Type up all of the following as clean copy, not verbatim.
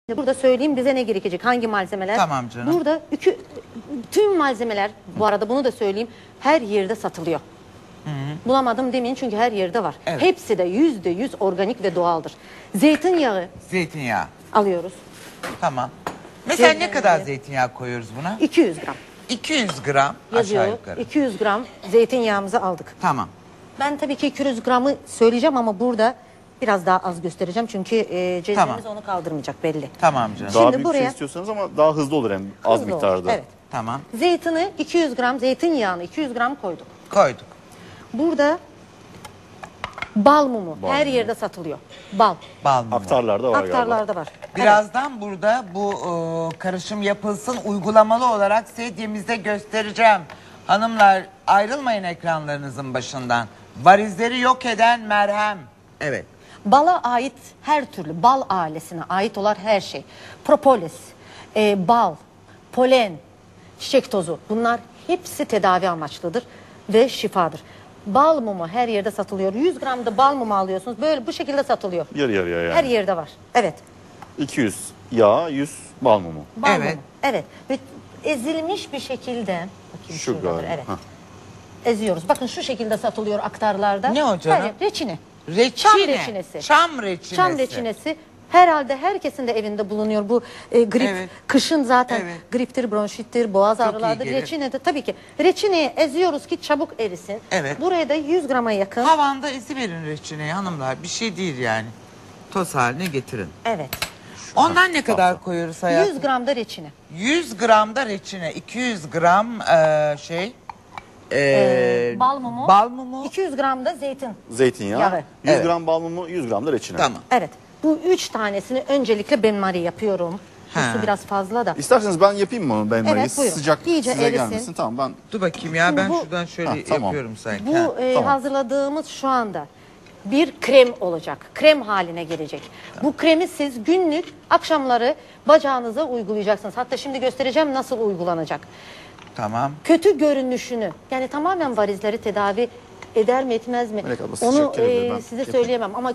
Burada söyleyeyim bize ne gerekecek, hangi malzemeler? Tamam canım. Burada tüm malzemeler, bu arada bunu da söyleyeyim, her yerde satılıyor. Bulamadım demeyin çünkü her yerde var. Evet. Hepsi de %100 organik ve doğaldır. Zeytinyağı Zeytinyağı. alıyoruz. Tamam. Mesela ne Zeytinyağı. kadar zeytinyağı koyuyoruz buna? 200 gram 200 gram aşağı yazıyor. yukarı. 200 gram zeytinyağımızı aldık. Tamam. Ben tabii ki 200 gramı söyleyeceğim ama burada biraz daha az göstereceğim. Çünkü cezvemiz onu kaldırmayacak belli. Tamam canım. Şimdi Daha büyük bir buraya- şey istiyorsanız ama daha hızlı olur hem az Hızlı olur, miktarda. Evet. Tamam. Zeytini 200 gram, zeytinyağını 200 gram koyduk. Koyduk. Burada bal mumu Bal her mumu. yerde satılıyor. Bal. Bal mumu. Aktarlarda var galiba. Aktarlarda var. Birazdan burada bu karışım yapılsın, uygulamalı olarak sedyemizde göstereceğim. Hanımlar ayrılmayın ekranlarınızın başından. Varizleri yok eden merhem. Evet. Bala ait her türlü, bal ailesine ait olan her şey. Propolis, bal, polen, çiçek tozu, bunlar hepsi tedavi amaçlıdır ve şifadır. Bal mumu her yerde satılıyor. 100 gram da bal mumu alıyorsunuz. Böyle bu şekilde satılıyor. Yarı yarıya yani. Her yerde var. Evet. 200 yağ, 100 bal mumu. Bal Evet. mumu. Evet. Ve ezilmiş bir şekilde. Bakayım Şu şuradadır, galiba. evet. Hah. Eziyoruz. Bakın şu şekilde satılıyor aktarlarda. Ne o canım? Hayır, reçine. Reçine. Çam reçinesi. Çam reçinesi. Çam reçinesi. Herhalde herkesin de evinde bulunuyor bu grip. Evet. Kışın zaten Evet. griptir, bronşittir, boğaz Çok ağrılardır. iyi gelir. Reçine de tabii ki. Reçineyi eziyoruz ki çabuk erisin. Evet. Buraya da 100 grama yakın. Havanda verin reçineyi hanımlar. Bir şey değil yani. Toz haline getirin. Evet. Ondan ne kadar koyuyoruz hayatım? 100 gram da reçine. 100 gram da reçine, 200 gram Bal mumu. Bal mumu. 200 gram da zeytin. Zeytinyağı, Yağı. 100 Evet. gram bal mumu, 100 gram da reçine. Tamam. Evet. Bu 3 tanesini öncelikle benmari yapıyorum. Bu Ha. su biraz fazla da. İsterseniz ben yapayım mı onu? Ben Evet, buyurun. sıcak İyice size erisin. gelmesin. Tamam ben Dur bakayım ya Şimdi ben bu- şuradan şöyle Ha, tamam. yapıyorum sanki. Bu Ha. tamam. hazırladığımız şu anda bir krem olacak. Krem haline gelecek. Bu kremi siz günlük akşamları bacağınıza uygulayacaksınız. Hatta şimdi göstereceğim nasıl uygulanacak. Tamam. Kötü görünüşünü, yani tamamen varizleri tedavi eder mi etmez mi? Melek abla, sıcak Onu gelebilir, ben size yapayım. söyleyemem ama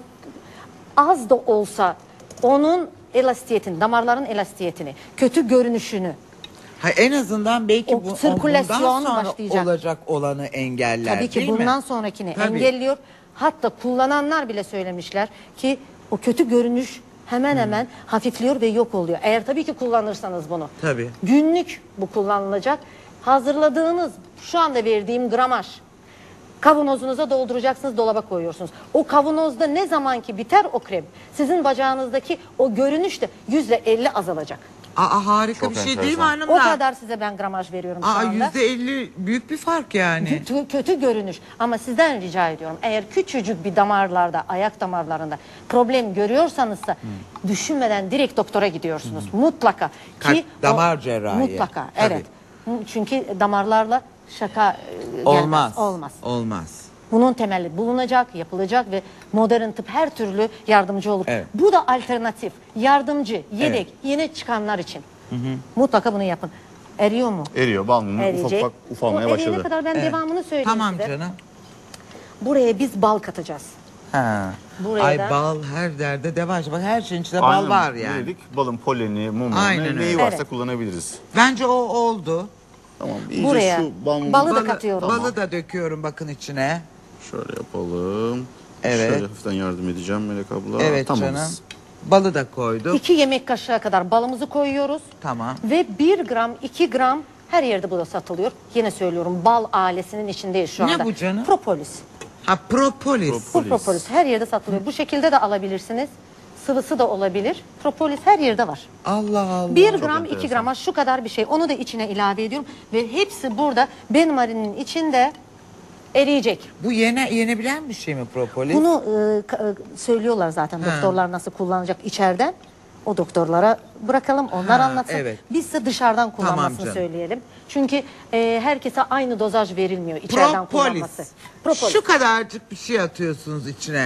az da olsa onun elastiyetini, damarların elastiyetini, kötü görünüşünü, Ha, en azından belki O bu sirkülasyon bundan sonra başlayacak. olacak olanı engeller. tabii ki değil mi? bundan sonrakini Tabii. engelliyor. Hatta kullananlar bile söylemişler ki o kötü görünüş hemen hemen hafifliyor ve yok oluyor. Eğer tabii ki kullanırsanız bunu. Tabii. Günlük bu kullanılacak. Hazırladığınız şu anda verdiğim gramaj kavanozunuza dolduracaksınız, dolaba koyuyorsunuz. O kavanozda ne zaman ki biter o krem, sizin bacağınızdaki o görünüş de %50 azalacak. Aa, harika Çok bir şey değil mi enteresan. hanımlar? O kadar size ben gramaj veriyorum şu Aa, anda. %50 büyük bir fark yani. Kötü görünüş ama sizden rica ediyorum, eğer küçücük bir damarlarda, ayak damarlarında problem görüyorsanızsa düşünmeden direkt doktora gidiyorsunuz mutlaka ki Damar cerrahi. mutlaka Tabii. evet, çünkü damarlarla şaka gelmez, Olmaz. olmaz. Olmaz. Bunun temeli bulunacak, yapılacak ve modern tıp her türlü yardımcı olur. Evet. Bu da alternatif, yardımcı, yedek, Evet. yeni çıkanlar için. Mutlaka bunu yapın. Eriyor mu? eriyor bal mumu ufak Eriyecek. ufak ufalmaya Bu eriyene başladı. kadar ben devamını söyleyeyim Tamam size. canım. Buraya biz bal katacağız. Ha. Buraya Ay da- bal her derde deva. Bak her şeyin içinde Aynen, bal var yani. ne dedik? Balın poleni, mumu, Aynen neyi öyle. varsa Evet. kullanabiliriz. Bence o oldu. Tamam iyice Buraya şu bal mumu balı da katıyorum. Balı da döküyorum bakın içine. şöyle yapalım. Evet. Şöyle hafiften yardım edeceğim Melek abla. Evet Tamamız. canım. Balı da koyduk. 2 yemek kaşığı kadar balımızı koyuyoruz. Tamam. Ve 1 gram, 2 gram her yerde bu da satılıyor. Yine söylüyorum, bal ailesinin içindeyiz şu Ne anda. bu canım? Propolis. Ha, propolis. Bu propolis her yerde satılıyor. Bu şekilde de alabilirsiniz. Sıvısı da olabilir. Propolis her yerde var. Allah Allah. 1 gram, 2 enteresan. grama şu kadar bir şey. Onu da içine ilave ediyorum. Ve hepsi burada benmarinin içinde eriyecek. Bu yenebilen bir şey mi propolis? Bunu söylüyorlar zaten doktorlar nasıl kullanacak içeriden. O doktorlara bırakalım, onlar Ha, anlatsın. evet. Biz ise dışarıdan kullanmasını canım. söyleyelim. Çünkü herkese aynı dozaj verilmiyor içeriden kullanması. Propolis. Şu kadarcık bir şey atıyorsunuz içine.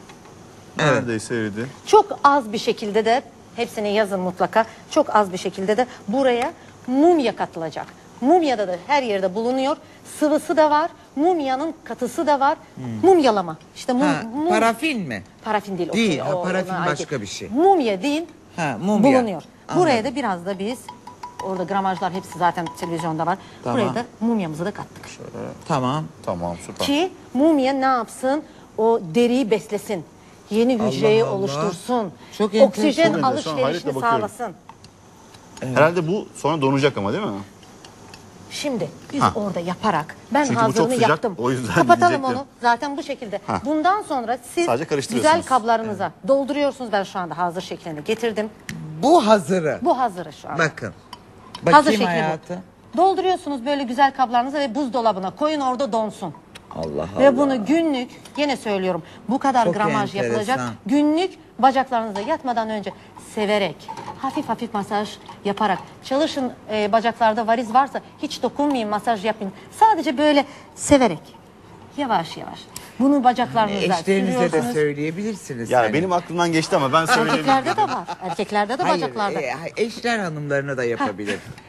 Evet. Neredeyse eridi. Çok az bir şekilde de, hepsini yazın mutlaka, çok az bir şekilde de buraya mumya katılacak. Mumyada da her yerde bulunuyor. Sıvısı da var, mumyanın katısı da var. Mumyalama. İşte Ha, parafin mi? parafin değil. Değil, o- ha, o- parafin ona ait başka değil. bir şey. Mumya deyin, Ha, mumya. bulunuyor. Anladım. Buraya da biraz da biz, orada gramajlar hepsi zaten televizyonda var. Tamam. Buraya da mumyamızı da kattık. Tamam. Tamam süper. Ki mumya ne yapsın? O deriyi beslesin. Yeni hücreyi Allah. oluştursun. Çok enteresan. Oksijen Çok enteresan, alışverişini hayretle bakıyorum. sağlasın. Herhalde bu sonra donacak ama değil mi? Şimdi biz Ha. orada yaparak ben Çünkü bu çok hazırını sıcak, yaptım. o yüzden Kapatalım diyecektim. onu. Zaten bu şekilde. Ha. Bundan sonra siz Sadece karıştırıyorsunuz. güzel kablarınıza dolduruyorsunuz. Ben şu anda hazır şeklini getirdim. Bu hazırı. Bu hazırı şu anda. Bakın. Hazır Bakayım şekli hayatı. bu. Dolduruyorsunuz böyle güzel kablarınıza ve buzdolabına koyun, orada donsun. Allah Allah. Ve bunu günlük, yine söylüyorum, bu kadar Çok gramaj yapılacak. enteresan. Günlük bacaklarınıza yatmadan önce severek, hafif hafif masaj yaparak çalışın. Bacaklarda variz varsa hiç dokunmayın, masaj yapın. Sadece böyle severek, yavaş yavaş. Bunu bacaklarınıza Eşlerinize de sürüyorsunuz. söyleyebilirsiniz. Yani hani. benim aklımdan geçti ama ben söyleyeyim. Erkeklerde de var. Erkeklerde de Hayır, bacaklarda. eşler hanımlarına da yapabilir.